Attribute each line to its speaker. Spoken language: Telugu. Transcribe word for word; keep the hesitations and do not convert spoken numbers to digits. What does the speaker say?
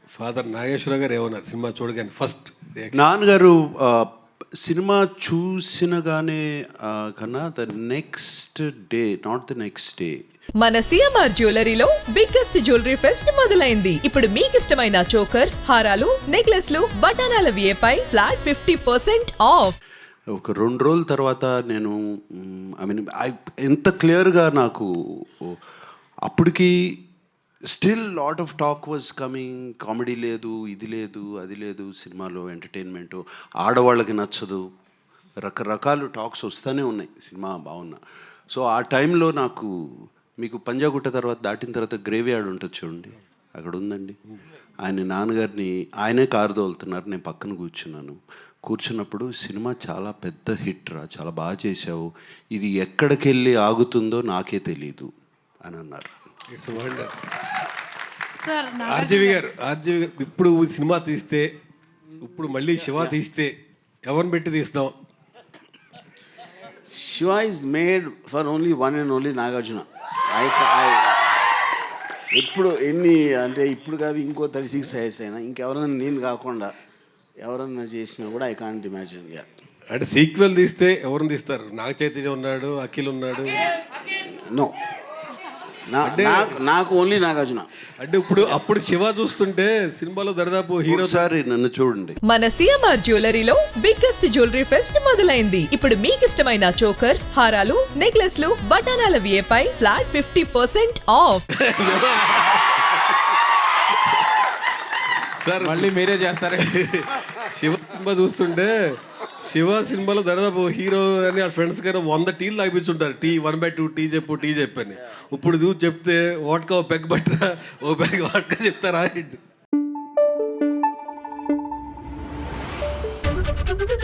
Speaker 1: ఫాదర్ నాగేశ్వర గారు ఏమన్నారు సినిమా చూడగానే ఫస్ట్?
Speaker 2: నాన్నగారు ఆ, సినిమా చూసినగానే ఆ, కన్నా the next day, not the next day,
Speaker 3: మన సిఎంఆర్ జ్యువెలరీలో బిగ్గెస్ట్ జ్యువెలరీ ఫెస్ట్ మొదలైంది. ఇప్పుడు మీకు ఇష్టమైన చోకర్స్, హారాలు, నెక్లెస్లు, బటానాల విఏపై ఫ్లాట్ ఫిఫ్టీ పర్సెంట్ ఆఫ్.
Speaker 2: ఒక రెండు రోజుల తర్వాత నేను ఐ మీన్ ఐ ఎంత క్లియర్గా నాకు అప్పటికి still lot of talk was coming. Comedy లేదు, ఇది లేదు, అది లేదు సినిమాలో, ఎంటర్టైన్మెంటు ఆడవాళ్ళకి నచ్చదు, రకరకాలు టాక్స్ వస్తూనే ఉన్నాయి సినిమా బాగున్నా. సో ఆ టైంలో నాకు, మీకు పంజాగుట్ట తర్వాత దాటిన తర్వాత గ్రేవీ యార్డ్ ఉంటుంది చూడండి, అక్కడ ఉందండి. ఆయన నాన్నగారిని ఆయనే కారు తోలుతున్నారు, నేను పక్కన కూర్చున్నాను. కూర్చున్నప్పుడు సినిమా చాలా పెద్ద హిట్ రా, చాలా బాగా చేసావు, ఇది ఎక్కడికి వెళ్ళి ఆగుతుందో నాకే తెలీదు అని అన్నారు.
Speaker 1: It's wonder.
Speaker 4: Sir
Speaker 1: RGV garu, RGV garu ఇప్పుడు సినిమా తీస్తే, ఇప్పుడు మళ్ళీ శివ తీస్తే ఎవరిని పెట్టి తీస్తాం?
Speaker 5: Shiva is made for only one and only Nagarjuna. I, I ఎప్పుడు ఎన్ని అంటే ఇప్పుడు కాదు, ఇంకో థర్టీ సిక్స్ ఇయర్స్ అయినా ఇంకెవరైనా నేను కాకుండా ఎవరన్నా చేసినా కూడా ఐ కాంట్ ఇమాజిన్. యా,
Speaker 1: అంటే సీక్వెల్ తీస్తే ఎవరిని తీస్తారు? నాగ చైతన్య ఉన్నాడు, అఖిల్ ఉన్నాడు.
Speaker 5: నో, నాకు ఓన్లీ నాగార్జున.
Speaker 1: అంటే ఇప్పుడు అప్పుడు శివ చూస్తుంటే సినిమాలో దరిదాపు హీరో.
Speaker 2: ఒకసారి నన్ను చూడండి.
Speaker 3: మన సిఎంఆర్ జ్యువెలరీలో బిగ్గెస్ట్ జ్యువెలరీ ఫెస్ట్ మొదలైంది. ఇప్పుడు మీకు ఇష్టమైన చోకర్స్, హారాలు, నెక్లెస్లు, బటానాల విఏపై flat fifty percent off.
Speaker 1: Sir
Speaker 6: మళ్ళీ మీరే చేస్తారా?
Speaker 1: శివ సినిమా చూస్తుంటే శివ సినిమాలో దాదాపు హీరో అని ఆ ఫ్రెండ్స్ కన్నా వంద టీలు తాగిపించుంటారు. Tea one by two tea చెప్పు, టీ చెప్పని. ఇప్పుడు చూసి చెప్తే వాట్కా ఓ పెగ్ బట్టరా, ఓ పెగ్ వాట్కా చెప్తారా?